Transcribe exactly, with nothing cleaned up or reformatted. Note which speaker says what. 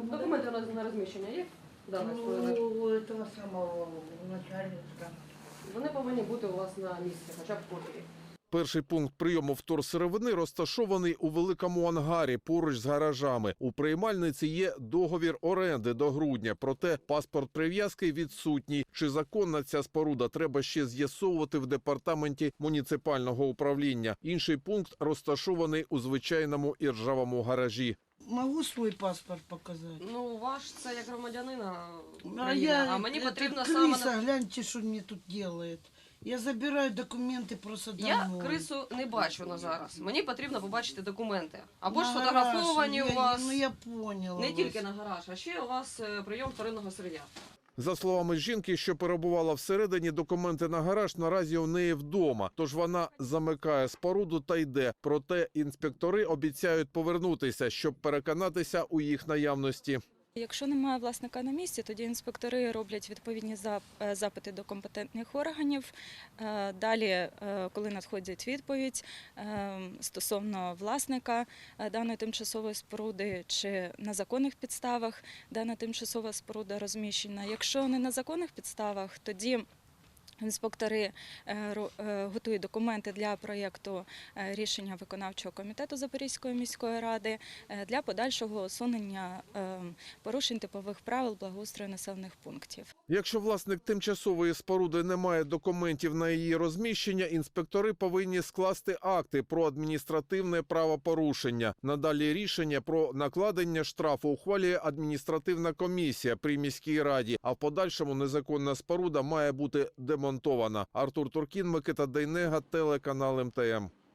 Speaker 1: Документи на на розміщення є? Даних споруди?
Speaker 2: У цього самого начальника.
Speaker 1: Вони повинні бути у вас на місці, хоча б копії.
Speaker 3: Перший пункт прийому вторсировини розташований у великому ангарі поруч з гаражами. У приймальниці є договір оренди до грудня, проте паспорт прив'язки відсутній. Чи законна ця споруда, треба ще з'ясовувати в департаменті муніципального управління. Інший пункт розташований у звичайному іржавому гаражі.
Speaker 2: Могу свой паспорт показать?
Speaker 1: Ну, ваш це як громадянина
Speaker 2: А,
Speaker 1: України,
Speaker 2: я,
Speaker 1: а мені
Speaker 2: это
Speaker 1: потрібно
Speaker 2: крыса,
Speaker 1: саме... на-
Speaker 2: гляньте, что мне тут делает. Я забираю документы просто домой.
Speaker 1: Я крису не бачу на зараз. Мені потрібно побачити документи. Або ж
Speaker 2: На
Speaker 1: сфотографовані
Speaker 2: гараж,
Speaker 1: у вас,
Speaker 2: Я, ну я поняла
Speaker 1: не
Speaker 2: вас.
Speaker 1: тільки на гараж, а ще у вас е, прийом вторинного сир'я.
Speaker 3: За словами жінки, що перебувала всередині, документи на гараж наразі у неї вдома. Тож вона замикає споруду та йде. Проте інспектори обіцяють повернутися, щоб переконатися у їх наявності.
Speaker 4: Якщо немає власника на місці, тоді інспектори роблять відповідні зап- запити до компетентних органів. Е, Далі, е, коли надходить відповідь е, стосовно власника е, даної тимчасової споруди чи на законних підставах дана тимчасова споруда розміщена. Якщо не на законних підставах, тоді інспектори е, ро- е, готують документи для проєкту е, рішення виконавчого комітету Запорізької міської ради е, для подальшого усунення е, порушень типових правил благоустрою населених пунктів.
Speaker 3: Якщо власник тимчасової споруди не має документів на її розміщення, інспектори повинні скласти акти про адміністративне правопорушення. Надалі рішення про накладення штрафу ухвалює адміністративна комісія при міській раді, а в подальшому незаконна споруда має бути демонтована. Артур Туркін, Микита Дейнега, телеканал ем те ем.